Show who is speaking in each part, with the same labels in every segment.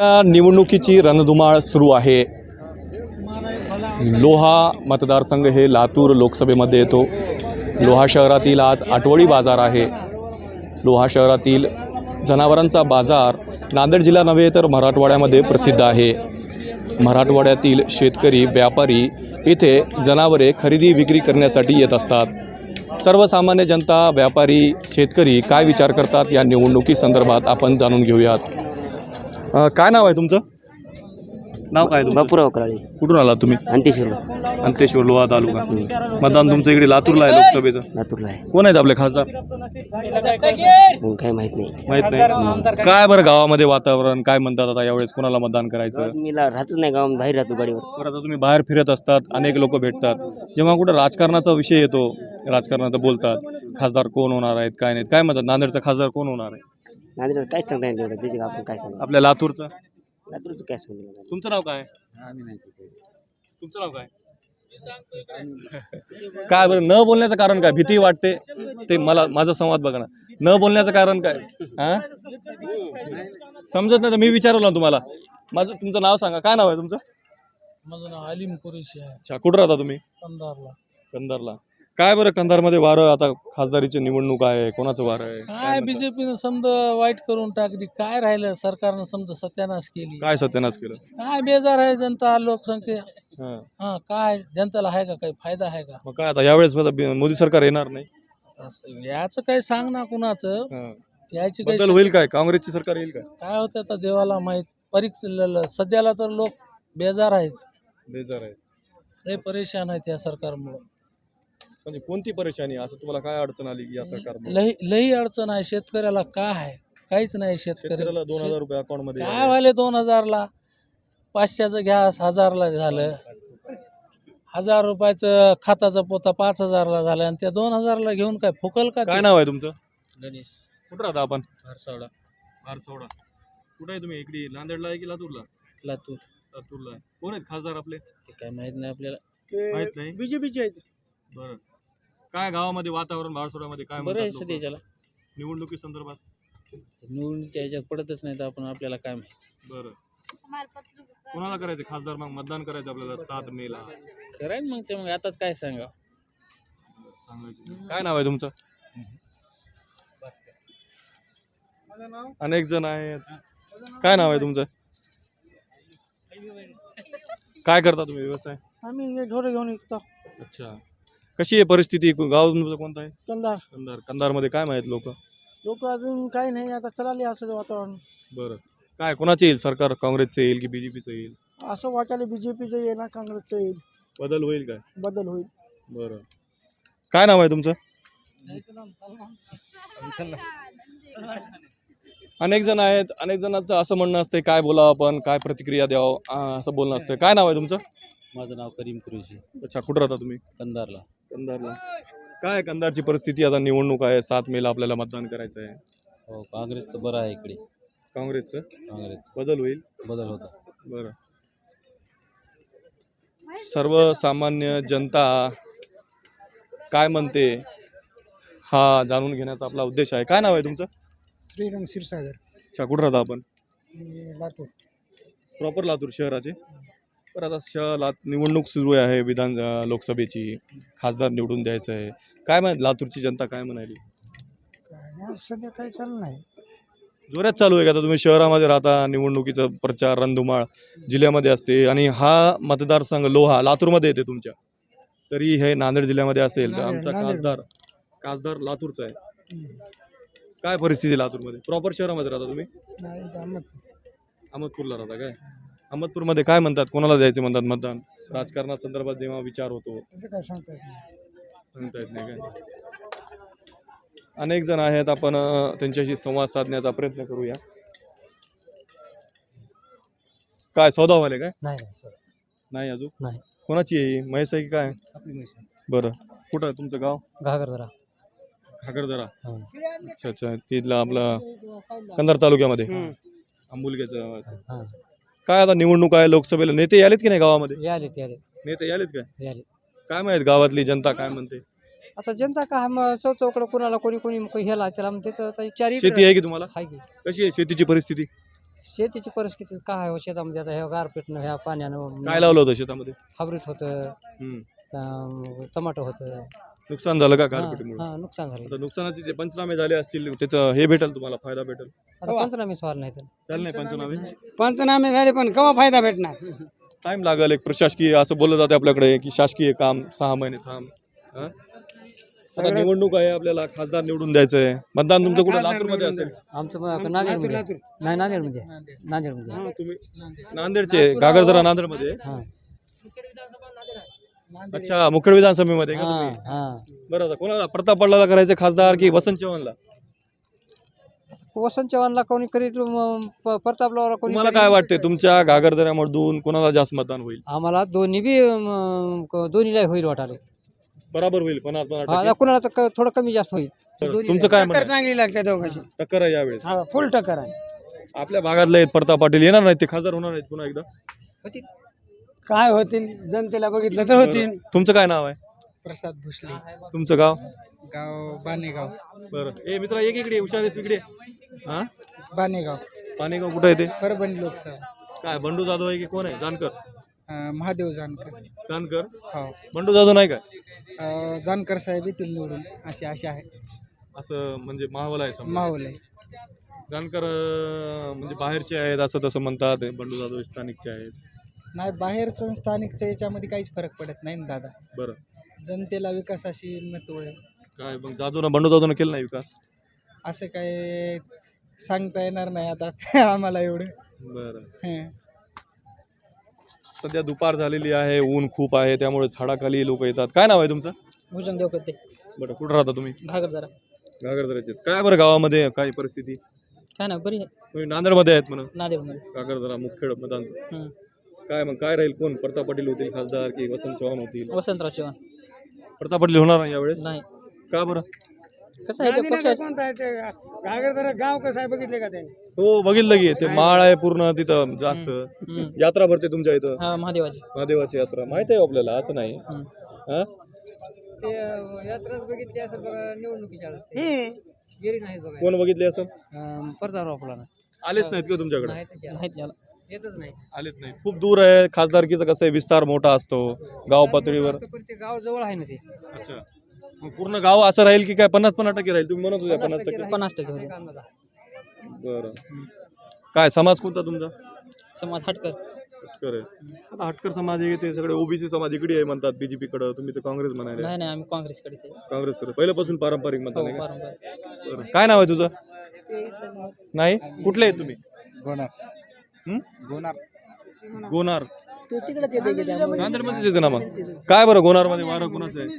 Speaker 1: या निवडणुकीची रणधुमाळ सुरू आहे। लोहा मतदारसंघ हे लातूर लोकसभेमध्ये येतो। लोहा शहरातील आज आठवडी बाजार आहे। लोहा शहरातील जनावरांचा बाजार नांदेड जिल्हा नव्हे तर मराठवाड्यामध्ये प्रसिद्ध आहे। मराठवाड्यातील शेतकरी व्यापारी इथे जनावरे खरेदी विक्री करण्यासाठी येत असतात। सर्वसामान्य जनता व्यापारी शेतकरी काय विचार करतात या निवडणुकी संदर्भात आपण जाणून घेऊयात। काय नाव आहे तुमचं? नाव काय तुमचं?
Speaker 2: बापूराव कराळे.
Speaker 1: कुठून आलात तुम्ही? अंतेश्वर लोहा तालुका। मतदान तुमचं इकडे लातूरला आहे लोकसभेचं?
Speaker 2: लातूरला आहे.
Speaker 1: कोण आहेत आपले खासदार?
Speaker 2: मग काय माहित नाही.
Speaker 1: माहित नाही। काय बरं गावामध्ये वातावरण काय म्हणतात आता यावेळेस कोणाला मतदान करायचं?
Speaker 2: मी राहतच नाही गावात, बाहेर राहतो गाडीवर.
Speaker 1: बरं आता तुम्ही बाहेर फिरत असतात, अनेक लोक भेटतात, जेव्हा कुठं राजकारणाचा विषय येतो राजकारणात बोलतात खासदार कोण होणार आहेत काय नाही, काय म्हणतात नांदेडचा खासदार कोण होणार आहे?
Speaker 2: नांदेड काहीच सांगता येईल तेवढं, त्याचे आपण काय सांगू.
Speaker 1: आपल्या लातूरचा?
Speaker 2: लातूरचं काय सांगू.
Speaker 1: तुमचं नाव काय? तुमचं नाव काय? काय बरं न बोलण्याचं कारण काय? भीती वाटते ते मला माझा संवाद बघा ना। न बोलण्याचं कारण काय? हा समजत नाही तर मी विचारलं ना तुम्हाला। माझं तुमचं नाव सांगा, काय नाव आहे तुमचं?
Speaker 3: माझं नाव अलीम कुरेशी आहे.
Speaker 1: अच्छा, कुठं राहता तुम्ही?
Speaker 3: कंधारला.
Speaker 1: कंधारला। काय बरं कंधारमध्ये वारं आता खासदारीची निवडणूक आहे, कोणाचं वारं आहे?
Speaker 3: काय बीजेपीनं समजा वाईट करून टाकली, काय राहिलं सरकारनं समजा सत्यानाश केली.
Speaker 1: काय सत्यानाश केलं?
Speaker 3: काय बेजार आहे जनता, लोकसंख्या.
Speaker 1: हा.
Speaker 3: हा काय जनतेला आहे का काही फायदा आहे का?
Speaker 1: मग काय आता यावेळेस मोदी सरकार येणार नाही?
Speaker 3: याचं काही सांग ना कुणाचं.
Speaker 1: हा.
Speaker 3: याची
Speaker 1: बदल
Speaker 3: काही
Speaker 1: होईल काय? काँग्रेसची सरकार येईल काय?
Speaker 3: काय होतं आता देवाला माहीत. परीक्षा सध्याला तर लोक बेजार आहेत,
Speaker 1: बेजार आहे
Speaker 3: लय परेशान आहेत या सरकारमुळे.
Speaker 1: म्हणजे कोणती परेशानी असं तुम्हाला काय अडचण आली या सरकार?
Speaker 3: लई अडचण आहे शेतकऱ्याला. काय आहे काहीच नाही
Speaker 1: शेतकऱ्याला 2000 रुपये अकाउंट मध्ये
Speaker 3: काय व्हायले 2000ला? 500चं गॅस 1000ला झालं, 1000 रुपयाचं खताचं पोता 5000ला झालं, आणि त्या 2000ला घेऊन काय फुकल का?
Speaker 1: काय नाव आहे तुमचं?
Speaker 3: गणेश.
Speaker 1: कुठं राहता आपण?
Speaker 3: हरसावडा.
Speaker 1: आरसोडा। कुठं आहे तुम्ही? इकडे नांदेडला आहे की लातूरला?
Speaker 3: लातूर.
Speaker 1: लातूरला आहे। कोण आहेत खासदार आपले?
Speaker 3: ते काय माहित नाही आपल्याला.
Speaker 1: माहित नाही?
Speaker 3: बीजेपीचे आहेत.
Speaker 1: बरं, काय गावामध्ये वातावरण भारसोडामध्ये काय
Speaker 3: बरं आहे
Speaker 1: म्हणतात
Speaker 3: सध्या
Speaker 1: लोकं?
Speaker 3: त्याला
Speaker 1: निवडणुकी संदर्भात?
Speaker 3: निवडणुकीच्या ह्याच्यात पडतच नाही तर आपण आपल्याला काय माहित.
Speaker 1: बरं, कोणाला करायचं खासदार? मग मतदान करायचं आपल्याला 7 मेला
Speaker 3: करायन मग ते, मग आताच काय सांगा.
Speaker 1: सांगायचं। काय नाव आहे तुमचं? अनेक जण आहेत। काय नाव आहे तुमचं? काय करता तुम्ही व्यवसाय?
Speaker 3: आम्ही ढोरे घेऊन विकतो.
Speaker 1: अच्छा, कशी आहे परिस्थिती? गाव तुमचं कोणतं आहे?
Speaker 3: कंधार.
Speaker 1: कंधार। कंधारमध्ये काय माहित लोक?
Speaker 3: लोक अजून काही नाही, आता चलाले असं वातावरण.
Speaker 1: बरं, काय कोणाचे येईल सरकार? काँग्रेसचं येईल की बीजेपीचं येईल?
Speaker 3: असं वाटायला बीजेपीचं येईल ना काँग्रेसचं येईल.
Speaker 1: बदल होईल काय?
Speaker 3: बदल होईल.
Speaker 1: बरं, काय नाव आहे तुमचं? अनेक जण आहेत, अनेक जणांचं असं म्हणणं असते काय बोलावं आपण, काय प्रतिक्रिया द्यावं असं बोलणं असतं। काय नाव आहे तुमचं?
Speaker 2: माझं नाव करीम कुरेशी.
Speaker 1: अच्छा, कुठं राहता तुम्ही?
Speaker 2: कंधारला.
Speaker 1: कंधारला। काय कंधारची परिस्थिती? आता निवडणूक आहे, 7 मेला आपल्याला मतदान करायचं आहे।
Speaker 2: हो, काँग्रेसचं बरं आहे इकडे.
Speaker 1: काँग्रेसचं
Speaker 2: काँग्रेस
Speaker 1: बदल होईल?
Speaker 2: बदल होता.
Speaker 1: बरं, सर्वसामान्य जनता काय म्हणते हा जाणून घेण्याचा आपला उद्देश आहे। काय नाव आहे तुमचं?
Speaker 3: श्रीरंग क्षीरसागर.
Speaker 1: अच्छा, कुठं राहता आपण?
Speaker 3: लातूर.
Speaker 1: प्रॉपर लातूर शहराचे? बरं, आता निवडणूक सुरू आहे विधान लोकसभेची, खासदार निवडून द्यायचं आहे। काय म्हणत लातूरची जनता काय म्हणाली?
Speaker 3: सध्या काही चालू नाही.
Speaker 1: जोरात चालू आहे का? आता तुम्ही शहरामध्ये राहता, निवडणुकीचा प्रचार रणधुमाळ जिल्ह्यामध्ये असते, आणि हा मतदारसंघ लोहा लातूरमध्ये येते तुमच्या, तरी हे नांदेड जिल्ह्यामध्ये असेल तर आमचा खासदार लातूरचा आहे। काय परिस्थिती लातूरमध्ये? प्रॉपर शहरामध्ये राहता तुम्ही? अहमदपूरला राहता काय? अहमदपूरमध्ये काय म्हणतात, कोणाला द्यायचे म्हणतात मतदान? राजकारणासंदर्भात जेव्हा विचार होतो
Speaker 3: काय सांगता
Speaker 1: येत नाही काय? अनेक जण आहेत, आपण त्यांच्याशी संवाद साधण्याचा प्रयत्न करूया। काय सौदा व्हायला काय? नाही अजून
Speaker 3: नाही.
Speaker 1: कोणाची आहे? म्हैस आहे की काय?
Speaker 3: आपली म्हैस.
Speaker 1: बरं, कुठं आहे तुमचं गाव?
Speaker 3: घागरदरा.
Speaker 1: घागरदरा। अच्छा अच्छा, तिथला आपला कंधार तालुक्यामध्ये आंबुलग्याचं। काय आता निवडणूक आहे लोकसभेला, नेते यालेत की नाही गावामध्ये? नेते यालेत काय? काय माहित गावातली जनता काय म्हणते?
Speaker 4: आता जनता का चौकडं कोणाला कोणी ह्याला त्याला
Speaker 1: शेती आहे की तुम्हाला? कशी आहे शेतीची परिस्थिती?
Speaker 4: शेतीची परिस्थिती काय हो शेतामध्ये आता ह्या गारपीटनं ह्या पाण्यानं
Speaker 1: काय लावलं होतं शेतामध्ये?
Speaker 4: हायब्रिड होतं, टमाटो होतं.
Speaker 1: नुकसान झालं का गारपिटीमुळे?
Speaker 4: हा नुकसान झालं.
Speaker 1: आता नुकसानाचे जे पंचनामे झाले असतील त्याचं हे भेटेल तुम्हाला, फायदा भेटेल?
Speaker 4: आता पंचनामे स्वार नाही तर
Speaker 1: चालेल नाही पंचनामे?
Speaker 5: पंचनामे झाले पण केव्हा फायदा भेटणार?
Speaker 1: टाइम लागेल. एक प्रशासकीय असं बोललं जाते आपल्याकडे की शासकीय काम 6 महिने थांब. हा? आता निवडणूक आहे, आपल्याला खासदार निवडून द्यायचं आहे. मतदान तुमचं कुठं लातूरमध्ये असेल?
Speaker 4: आमचं नांदेडमध्ये नाही नांदेडमध्ये
Speaker 1: हा, तुम्ही नांदेडचे, गागरदरा नांदेडमध्ये?
Speaker 4: हां
Speaker 1: अच्छा, मुखेड विधानसभेमध्ये का तुम्ही?
Speaker 4: हां.
Speaker 1: बरं, आता कोणाला, प्रताप पाटलाला करायचं खासदार की वसंत चव्हाणला?
Speaker 4: वसंत चव्हाणला कोणी करीत प्रतापला कोणी
Speaker 1: तुम्हाला काय वाटते तुमच्या गागरदऱ्यामधून कोणाला जास्त मतदान होईल?
Speaker 4: आम्हाला दोन्ही बी दोन्हीला होईल वाटाले.
Speaker 1: बराबर होईल 50-50
Speaker 4: आता कुणाला तर थोडं कमी जास्त होईल.
Speaker 1: टक्के. तुमचं काय म्हणणं
Speaker 5: टक्कर
Speaker 1: आहे?
Speaker 5: चांगली लागते दोघांची.
Speaker 1: टक्कर आहे यावेळेस.
Speaker 5: हा फुल टक्कर आहे.
Speaker 1: आपल्या भागातले आहेत प्रताप पाटील, येणार नाहीत ते, खासदार होणार नाहीत पुन्हा एकदा?
Speaker 4: होतील.
Speaker 5: काय होतील जनतेला बघितलं तर होतील.
Speaker 1: तुमचं काय नाव आहे?
Speaker 5: प्रसाद भोसले,
Speaker 1: तुमचं गाव?
Speaker 5: गाव बानेगाव.
Speaker 1: बरं, ए मित्रा एक इकडे, हुशार आहेस इकडे. हा,
Speaker 5: बानेगाव
Speaker 1: पाणेगाव कुठं आहे ते?
Speaker 5: परभणी लोकसभा.
Speaker 1: काय बंडू जाधव आहे की कोण आहे? जानकर?
Speaker 5: महादेव जानकर.
Speaker 1: जानकर?
Speaker 5: हो.
Speaker 1: बंडू जाधव नाही काय?
Speaker 5: जानकर साहेब येतील निवडून अशी आशा आहे.
Speaker 1: असं म्हणजे माहोल आहे समजा.
Speaker 5: माहोल आहे.
Speaker 1: जानकर म्हणजे बाहेरचे आहेत असं तसं म्हणतात, बंडू जाधव स्थानिकचे आहेत.
Speaker 5: नाही बाहेरचं स्थानिकच्या याच्यामध्ये काहीच फरक पडत नाही ना दादा.
Speaker 1: बरं,
Speaker 5: जनतेला विकासाशी महत्व आहे.
Speaker 1: काय मग जाधवनं, बंडू जाधवनं केलं नाही विकास?
Speaker 5: असं काय सांगता येणार नाही आता आम्हाला एवढं.
Speaker 1: बरं,
Speaker 5: हं.
Speaker 1: सध्या दुपार झालेली आहे, ऊन खूप आहे, त्यामुळे झाडाखाली लोक येतात. काय नाव आहे तुमचं?
Speaker 4: भुजंग देव करते
Speaker 1: बरं, कुठं राहता तुम्ही?
Speaker 4: घागरदारा.
Speaker 1: गागरदऱ्याचेच. काय बरं गावामध्ये काय परिस्थिती?
Speaker 4: काय ना बरी आहे
Speaker 1: तुम्ही नांदेडमध्ये आहेत म्हणून?
Speaker 4: नांदेडमध्ये.
Speaker 1: गागरदरा मुखेड मतदान. काय मग काय राहील, कोण? प्रताप पाटील होतील खासदार की वसंत चव्हाण होतील?
Speaker 4: वसंतराव चव्हाण.
Speaker 1: प्रताप पाटील होणार नाही यावेळेस?
Speaker 4: नाही.
Speaker 1: का बरं?
Speaker 4: कसं आहे ते पक्षाचं
Speaker 5: कोणता आहे ते घागरदरा गाव कसं आहे बघितले का त्यांनी?
Speaker 1: हो बघितलं की ते माळ आहे पूर्ण तिथं जास्त. यात्रा भरते तुमच्या इथं?
Speaker 4: हा महादेवाची.
Speaker 1: महादेवाची यात्रा माहित आहे आपल्याला, असं नाही. हा,
Speaker 4: ते यात्राच बघितली असेल बघा, निवडणुकीच्या वेळेस गेली नाही बघा.
Speaker 1: कोण बघितले असं?
Speaker 4: परताराव फुलाना
Speaker 1: आलेच नाहीत का तुमच्याकडे?
Speaker 4: नाहीत याला येतच नाही.
Speaker 1: आलेच नाही. खूप दूर आहे. खासदारकीचं कसं आहे, विस्तार मोठा असतो गाव पातळीवर.
Speaker 4: पण ते गाव जवळ आहे ना ते.
Speaker 1: अच्छा, मग पूर्ण गाव असं राहील की काय 50-50% राहील? तुम्ही म्हणत होत्या 50%.
Speaker 4: 50% होते.
Speaker 1: बरं, काय समाज कोणता तुमचा?
Speaker 4: समाज हटकर.
Speaker 1: हटकर आहे. आता हटकर समाज आहे ते सगळे ओबीसी समाज इकडे आहे म्हणतात बीजेपी कडे, तुम्ही तर काँग्रेस म्हणाले.
Speaker 4: नाही नाही आम्ही काँग्रेसकडेच आहे.
Speaker 1: काँग्रेसकडे पहिल्यापासून पारंपरिक मतदान आहे का?
Speaker 4: बरोबर.
Speaker 1: बरं, काय नाव आहे तुझं? नाही, कुठले आहे तुम्ही?
Speaker 5: गोनार.
Speaker 1: हं?
Speaker 5: गोनार.
Speaker 1: गोनार.
Speaker 4: तू तिकडेच येते की त्यामुळे.
Speaker 1: नांदेडमध्येच येते ना मग. काय बरं गोनारमध्ये वारं कोणाचं आहे?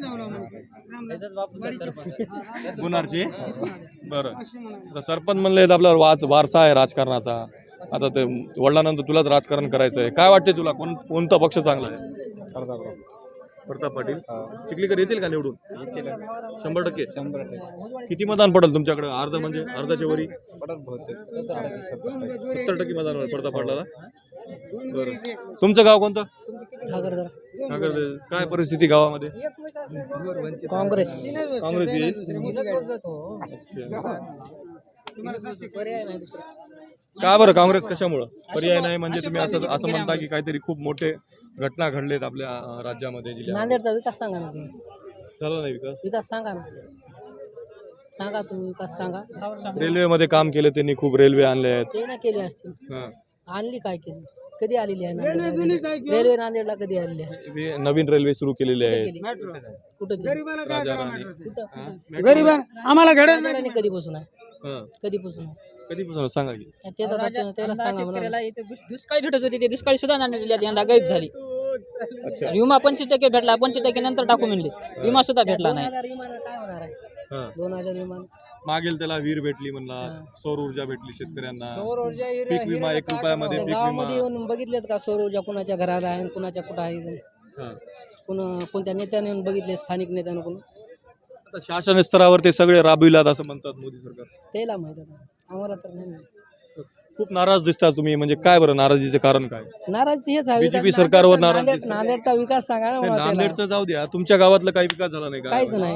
Speaker 1: गोनारची? बरं, आता सरपंच म्हणले आपला वारसा आहे राजकारणाचा. आता ते वडिलांनंतर तुलाच राजकारण करायचं आहे. काय वाटते तुला, कोणता पक्ष चांगला आहे? प्रताप पाटील. चिखलीकर येतील का निवडून? 100%.
Speaker 5: 100%.
Speaker 1: किती मतदान पडेल तुमच्याकडे? अर्ध म्हणजे अर्धाच्या वरी? 70% मतदान होईल प्रताप पाटलाला. बरं, तुमचं गाव कोणतं?
Speaker 4: घागरदारा.
Speaker 1: गागरदरा. काय परिस्थिती गावामध्ये?
Speaker 4: काँग्रेस.
Speaker 1: काँग्रेस येईल.
Speaker 4: पर्याय नाही दुसरा.
Speaker 1: का बरं काँग्रेस कशामुळं? पर्याय नाही म्हणजे तुम्ही असं म्हणता की काहीतरी खूप मोठे घटना घडलेत आपल्या राज्यामध्ये, जिल्ह्यात.
Speaker 4: नांदेडचा विकास सांगा ना तुम्ही.
Speaker 1: झाला नाही विकास?
Speaker 4: विकास सांगा ना. सांगा तुम्ही विकास सांगा.
Speaker 1: रेल्वेमध्ये काम केले त्यांनी, खूप रेल्वे आणले आहेत.
Speaker 4: ते ना केले असतील.
Speaker 1: हां.
Speaker 4: आणली काय केली? कधी आलेली आहे नांदेडला? रेल्वे नांदेडला कधी आलेली आहे?
Speaker 1: नवीन रेल्वे सुरू केलेले आहेत.
Speaker 4: कुठं गेली?
Speaker 1: राजा राणी.
Speaker 5: गरीब आम्हाला घडत
Speaker 4: नांदेडला कधीपासून आहे?
Speaker 1: हां.
Speaker 4: कधीपासून आहे?
Speaker 1: कधीपासून सांगा की?
Speaker 4: ते तर त्याला सांगा म्हणा.
Speaker 6: दुष्काळी भेटत होती ते दुष्काळी सुद्धा नांदेड जिल्ह्यात यंदा गायब झाली. विमा 25% भेटला, 25% नंतर टाकू म्हणले. विमा सुद्धा भेटला नाही.
Speaker 4: 2000 विमान काय होणार आहे?
Speaker 1: हां.
Speaker 4: 2000 विमान.
Speaker 1: मागेल त्याला वीर भेटली म्हणला, सौर ऊर्जा भेटली शेतकऱ्यांना,
Speaker 6: सौर ऊर्जा
Speaker 1: पीक विमा 1 रुपयामध्ये
Speaker 4: त्या
Speaker 1: पीक
Speaker 4: गावामध्ये
Speaker 1: विमा.
Speaker 4: येऊन बघितलेत का सौर ऊर्जा कुणाच्या घराला आहे आणि कुणाच्या कुठं आहे?
Speaker 1: हां.
Speaker 4: कोणत्या नेत्याने येऊन बघितले? स्थानिक नेत्यानं कोण?
Speaker 1: आता शासन स्तरावर ते सगळे राबविलात असं म्हणतात मोदी सरकार.
Speaker 4: त्याला माहित आहे, आम्हाला तर नाही माहित.
Speaker 1: खूप नाराज दिसता तुम्ही, म्हणजे काय बरं नाराजीचे कारण काय?
Speaker 4: नाराजी हेच आहे.
Speaker 1: BJP
Speaker 4: विकास-
Speaker 1: सरकारवर
Speaker 4: नांदेड-
Speaker 1: नाराज दिसतात.
Speaker 4: नांदेडचा विकास सांगा ना
Speaker 1: नाही,
Speaker 4: मला त्याला.
Speaker 1: नांदेडचं जाऊ द्या, तुमच्या गावातलं काही विकास झाला नाही का?
Speaker 4: काहीच नाही.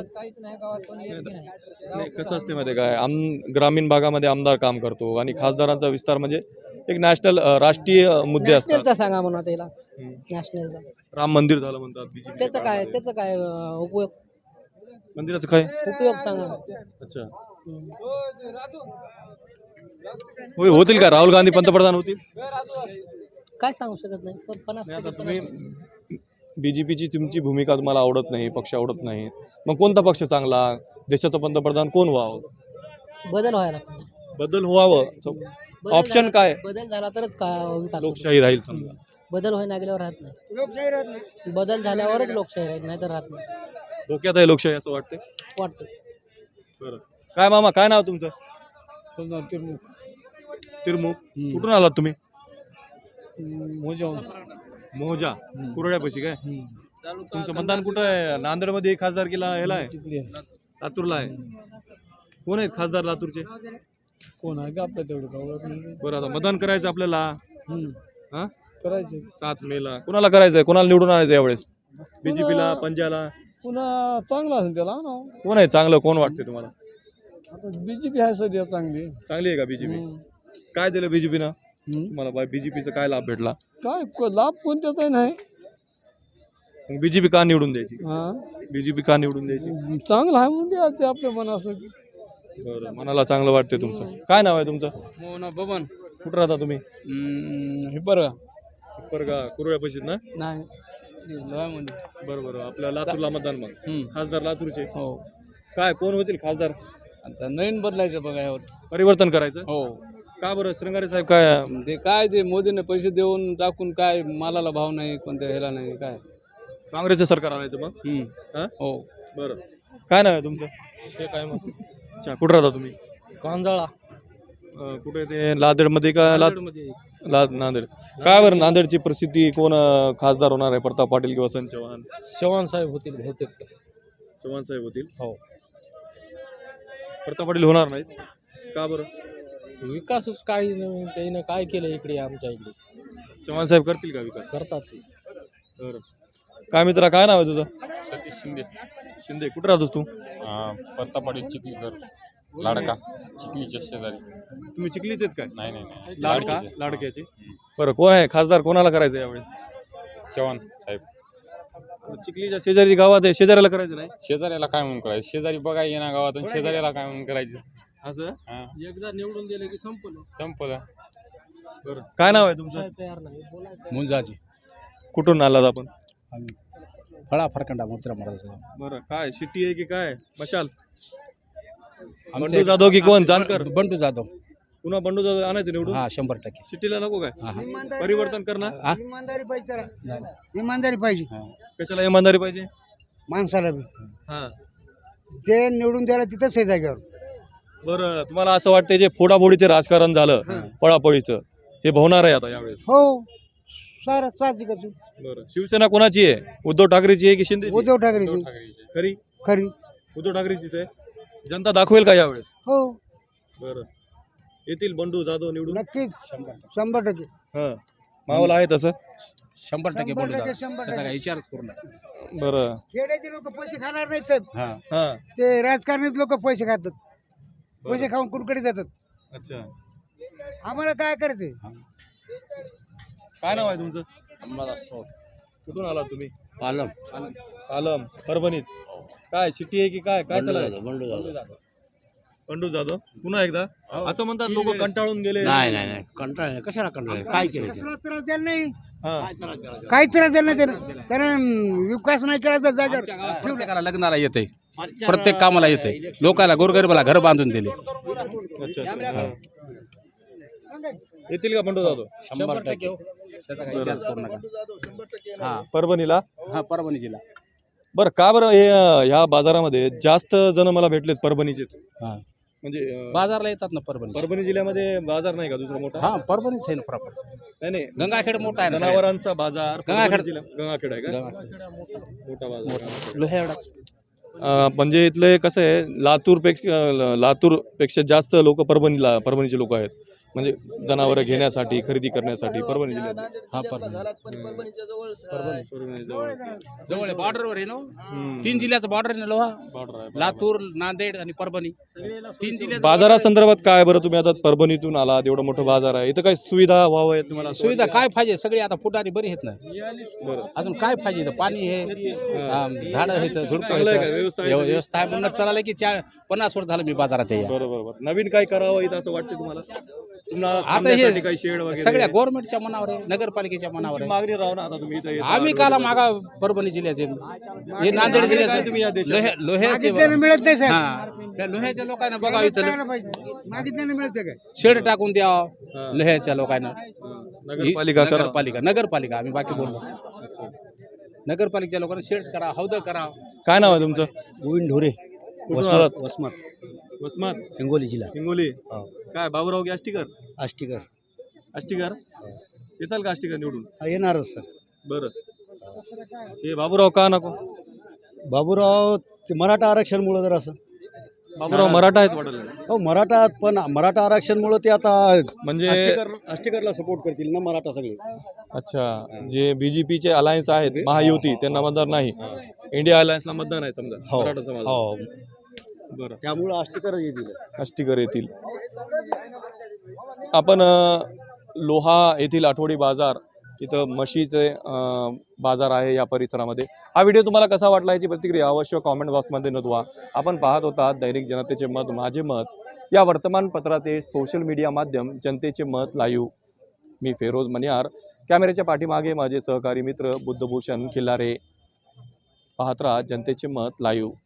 Speaker 1: नाही, कसं असते माहिती आहे काय, ग्रामीण भागामध्ये आमदार काम करतो आणि खासदारांचा विस्तार म्हणजे एक नॅशनल राष्ट्रीय मुद्दे असतात.
Speaker 7: नॅशनलचा सांगा म्हणा त्याला, नॅशनलचा.
Speaker 1: राम मंदिर झालं म्हणतात BJP.
Speaker 7: त्याचं काय उपयोग
Speaker 1: मंदिराचं काय?
Speaker 7: उपयोग सांगा.
Speaker 1: अच्छा, होतील का राहुल गांधी पंतप्रधान होतील?
Speaker 7: काय सांगू शकत नाही, पण 50%
Speaker 1: तुम्ही BJPची तुमची भूमिका तुम्हाला आवडत नाही, पक्ष आवडत नाही, मग कोणता पक्ष चांगला, देशाचं पंतप्रधान कोण व्हावं?
Speaker 7: बदल व्हायला पाहिजे.
Speaker 1: बदल व्हावं
Speaker 7: बदल
Speaker 1: ऑप्शन
Speaker 7: झाला-
Speaker 1: काय?
Speaker 7: बदल झाला तरच का विकास होतो.
Speaker 1: लोकशाही राहील समजा.
Speaker 7: बदल व्हायला गेल्यावर राहत नाही. बदल झाल्यावरच लोकशाही राहत नाही तर राहत नाही
Speaker 1: धोक्यात आहे लोकशाही असं वाटतं.
Speaker 7: वाटतं.
Speaker 1: बरं, काय मामा काय नाव तुमचं? तिरमुख. कुठून आलात तुम्ही? मोजा कुरड्यापाशी काय? तुमचं मतदान कुठं आहे? नांदेडमध्ये खासदारकीला ह्याला आहे, लातूरला आहे. कोण आहेत खासदार लातूरचे?
Speaker 3: कोण आहे का आपल्या तेवढं?
Speaker 1: बरं, आता मतदान करायचं आपल्याला. हा,
Speaker 3: करायचे
Speaker 1: 7 मेला कोणाला करायचंय? कोणाला निवडून आणायचं यावेळेस? BJPला, पंजाला?
Speaker 3: पुन्हा चांगला असेल त्याला ना.
Speaker 1: कोण आहे चांगलं? कोण वाटते तुम्हाला?
Speaker 3: आता BJP आहे सध्या चांगली.
Speaker 1: चांगली आहे का BJP? काय दिलं BJPनं तुम्हाला? BJPचा काय लाभ भेटला?
Speaker 3: काय लाभ कोणत्याचाही नाही.
Speaker 1: मग BJP का निवडून द्यायची?
Speaker 3: हा,
Speaker 1: BJP का निवडून द्यायची?
Speaker 3: चांगलं आहे म्हणून द्यायचे आपल्या मनाचं.
Speaker 1: बरं, मनाला चांगलं वाटते तुमचं. काय नाव आहे तुमचं?
Speaker 3: मोना बबन.
Speaker 1: कुठं राहता तुम्ही?
Speaker 3: हे बरं
Speaker 1: परगा कुरळ्यापाशीत ना?
Speaker 3: नाही
Speaker 1: बरं बरं, आपल्या लातूरला मतदान. मग खासदार लातूरचे
Speaker 3: हो.
Speaker 1: काय कोण होतील खासदार?
Speaker 3: आता नवीन बदलायचं बघा यावर.
Speaker 1: परिवर्तन करायचं.
Speaker 3: हो,
Speaker 1: का बरं श्रंगारे साहेब काय?
Speaker 3: ते काय ते मोदीने पैसे देऊन टाकून काय मालाला भाव नाही, कोणत्या ह्याला नाही काय.
Speaker 1: काँग्रेसचं सरकार आणायचं मग? हा?
Speaker 3: हो.
Speaker 1: बरं, काय नाव आहे तुमचं?
Speaker 3: हे काय मग
Speaker 1: अच्छा, कुठं राहता तुम्ही?
Speaker 3: कांजळा
Speaker 1: कुठे ते नांदेडमध्ये का? नांदेड. काय बरं नांदेडची परिस्थिती? कोण खासदार होणार आहे? प्रताप पाटील किंवा संजय चव्हाण?
Speaker 3: चव्हाण साहेब होतील बहुतेक.
Speaker 1: चव्हाण साहेब होतील.
Speaker 3: हो.
Speaker 1: प्रताप पाटील होणार नाहीत का बरं?
Speaker 3: विकासच काही नाही, त्याने काय केलं इकडे आमच्या इकडे.
Speaker 1: चव्हाण साहेब करतील का विकास?
Speaker 3: करतात ते.
Speaker 1: बरं, काय मित्रा काय नाव आहे तुझं?
Speaker 2: सतीश शिंदे.
Speaker 1: शिंदे. कुठं राहतोस तू?
Speaker 2: परतापाडी चिखलीकर लाडका चिखलीच्या शेजारी.
Speaker 1: तुम्ही चिखलीचेच काय?
Speaker 2: नाही नाही नाही
Speaker 1: लाडका लाडक्याचे. बरं, कोण आहे खासदार? कोणाला करायचं यावेळेस?
Speaker 2: चव्हाण साहेब.
Speaker 1: चिखलीच्या शेजारी गावात आहे, शेजाऱ्याला करायचं नाही?
Speaker 2: शेजाऱ्याला काय म्हणून करायचं? शेजारी बघा येणार गावात आणि शेजाऱ्याला काय म्हणून करायचं?
Speaker 1: असं?
Speaker 2: हा,
Speaker 3: एकदा निवडून दिले की
Speaker 2: संपलं.
Speaker 1: बरं, काय नाव आहे तुमचं?
Speaker 3: तयार नाही. मुंजाची.
Speaker 1: कुठून आलात आपण?
Speaker 3: फळा फरकंडा मुद्रा महाराज.
Speaker 1: बरं, काय शिट्टी आहे की काय? मशाल? बंडू जाधव की कोण? जानकर?
Speaker 3: बंडू जाधव.
Speaker 1: पुन्हा बंडू जाधव आणायचं निवडून?
Speaker 3: हा, 100%.
Speaker 1: शिट्टीला नको काय? परिवर्तन करणार?
Speaker 5: इमानदारी पाहिजे त्याला, इमानदारी पाहिजे
Speaker 1: कशाला इमानदारी पाहिजे?
Speaker 5: माणसाला बी.
Speaker 1: हा,
Speaker 5: जे निवडून द्यायला तिथंच आहे जागेवर.
Speaker 1: बरं, तुम्हाला असं वाटतं जे फोडाफोडीचे राजकारण झालं, पळापळीचं, हे भवणार आहे आता यावेळेस?
Speaker 5: हो, सारं साहजिकच आहे.
Speaker 1: बरं, शिवसेना कोणाची आहे? उद्धव ठाकरेची आहे की शिंदे?
Speaker 5: उद्धव ठाकरेची
Speaker 1: खरी
Speaker 5: खरी.
Speaker 1: उद्धव ठाकरेचीच आहे. जनता दाखवेल का यावेळेस?
Speaker 5: हो,
Speaker 1: बरं, येतील बंडू जाधव निवडून?
Speaker 5: नक्कीच 100%.
Speaker 1: हा, माहोल आहे तसं?
Speaker 3: 100% बंडू जाधव.
Speaker 5: 100%.
Speaker 3: त्याचा काही विचारच करू नका.
Speaker 1: बरं.
Speaker 5: खेड्याचे लोक पैसे खाणार नाहीत साहेब.
Speaker 3: हा.
Speaker 1: हा,
Speaker 5: ते राजकारणीच लोक पैसे खातात, पैसे खाऊन कुणकडे जातात.
Speaker 1: अच्छा.
Speaker 5: आम्हाला काय करायचंय?
Speaker 1: काय नाव आहे तुमचं? कुठून आलात तुम्ही? आलम परभणीच. काय शिट्टी आहे की काय? काय चालू? बंडू जाधव पुन्हा एकदा असं म्हणतात लोक कंटाळून गेले.
Speaker 8: नाही कंटाळ कशाला कंटाळ काय केलं
Speaker 5: कसला त्रास द्यायला नाही,
Speaker 1: हा,
Speaker 5: काही त्रास द्यायला नाही त्यानं. त्यानं विकास नाही केला जागेवर.
Speaker 8: प्रत्येकाला लग्नाला येते, प्रत्येक कामाला येते, लोकांना गोरगरिबाला घर बांधून दिले.
Speaker 1: अच्छा अच्छा. हा. येतील का बंडू जाधव?
Speaker 8: 100% त्याचा काही विचारच करू नका. हा
Speaker 1: परभणीला?
Speaker 8: हा, परभणी जिल्हा.
Speaker 1: बरं, का बरं हे ह्या बाजारामध्ये जास्त जण मला भेटलेत परभणीचेच?
Speaker 8: हा,
Speaker 1: म्हणजे
Speaker 8: बाजारला येतात ना परभणी.
Speaker 1: परभणी जिल्ह्यामध्ये बाजार नाही का दुसरा मोठा?
Speaker 8: हा, परभणीच आहे ना प्रॉपर.
Speaker 1: नाही नाही,
Speaker 8: गंगाखेड मोठा आहे ना सगळ्यात.
Speaker 1: जनावरांचा बाजार
Speaker 8: गंगाखेड.
Speaker 1: परभणी जिल्ह्यात- गंगाखेड आहे का?
Speaker 8: गंगाखेड.
Speaker 1: मोठा बाजार.
Speaker 8: लोह्या एवढाच.
Speaker 1: म्हणजे इथले कसं आहे, लातूरपेक्षा जास्त लोक परभणीचे लोक आहेत. म्हणजे जनावरं घेण्यासाठी खरेदी करण्यासाठी परभणी जिल्ह्यात
Speaker 8: हा जवळ आहे, बॉर्डरवर आहे ना. 3 जिल्ह्याचं बॉर्डर आहे ना लोहा.
Speaker 1: बॉर्डर आहे.
Speaker 8: लातूर, नांदेड आणि परभणी 3 जिल्ह्याचं
Speaker 1: बाजारासंदर्भात काय बरं, तुम्ही आता परभणीतून आला, एवढा मोठा बाजार आहे, इथं काही सुविधा व्हावं आहे तुम्हाला असं
Speaker 8: सुविधा काय पाहिजे सगळी आता फुटारी बरी आहेत ना.
Speaker 1: बरं.
Speaker 8: अजून काय पाहिजे इथं? पाणी आहे, झाडं आहेत, झुडपं
Speaker 1: चांगलं आहे का?
Speaker 8: आहेत.
Speaker 1: व्यवस्था आहे सगळी?
Speaker 8: व्यवस्था आहे म्हणून चाललं की 50 वर्ष झालं मी बाजारात आहे.
Speaker 1: बरोबर. नवीन काय करावं इथं असं वाटतं तुम्हाला? तुम्हाला
Speaker 8: आता
Speaker 1: थांबण्यासाठी काही
Speaker 8: हे
Speaker 1: शेड वगैरे
Speaker 8: सगळ्या गव्हर्नमेंटच्या मनावर आहे, नगरपालिकेच्या मनावर
Speaker 1: तुमची
Speaker 8: आहे.
Speaker 1: मागणी राहू ना आता तुम्ही इथं येता.
Speaker 8: आम्ही काला मागा परभणी जिल्ह्याचे, हे नांदेड
Speaker 1: काय
Speaker 8: जिल्ह्याचे
Speaker 1: तुम्ही या देशात?
Speaker 8: लोह्याचे
Speaker 5: मिळत नाही साहेब.
Speaker 8: हा, त्या लोह्याच्या लोकांना बघा इथं
Speaker 5: मागितल्याने मिळते काय
Speaker 8: शेड टाकून द्यावं लोह्याच्या लोकांना.
Speaker 1: नगरपालिका करा.
Speaker 8: नगरपालिका आम्ही बाकी बोललो. नगरपालिकेच्या लोकांना शेड करा, हौद करा.
Speaker 1: काय नाव आहे तुमचं?
Speaker 9: गोविंद ढोरे,
Speaker 1: कुठून आलात?
Speaker 9: वसमत,
Speaker 1: वसमत,
Speaker 9: हिंगोली जिल्हा.
Speaker 1: हिंगोली.
Speaker 9: हो.
Speaker 1: काय बाबूराव की आष्टीकर?
Speaker 9: आष्टीकर.
Speaker 1: आष्टीकर येताल का आष्टीकर निवडून?
Speaker 9: हा, येणारच सर.
Speaker 1: बरं. हे बाबूराव का नको?
Speaker 9: बाबूराव ते मराठा आरक्षणमुळं जर असं.
Speaker 1: बाबूराव मराठा आहेत वाटलं.
Speaker 9: हो, मराठा, पण मराठा आरक्षणमुळं ते आता
Speaker 1: म्हणजे
Speaker 9: आष्टीकरला सपोर्ट करतील ना मराठा सगळे.
Speaker 1: अच्छा, जे बीजेपीचे अलायन्स आहेत महायुती त्यांना मतदार नाही, इंडिया अलायन्सला मतदार आहे समजा
Speaker 9: हो.
Speaker 1: मराठा समाज.
Speaker 9: हो,
Speaker 1: बरं.
Speaker 9: त्यामुळं आष्टीकरच येतील.
Speaker 1: आष्टीकर येतील. आपण लोहा येथील आठवडी बाजार इथं म्हशीचे बाजार आहे या परिसरामध्ये. हा व्हिडिओ तुम्हाला कसा वाटला याची प्रतिक्रिया अवश्य कॉमेंट बॉक्समध्ये नोंदवा. आपण पाहत होता दैनिक जनतेचे मत माझे मत या वर्तमानपत्राचे सोशल मीडिया माध्यम जनतेचे मत लाईव्ह. मी फेरोज मनियार, कॅमेऱ्याच्या पाठीमागे माझे सहकारी मित्र बुद्धभूषण खिल्लारे. पाहत राहा जनतेचे मत लाईव्ह.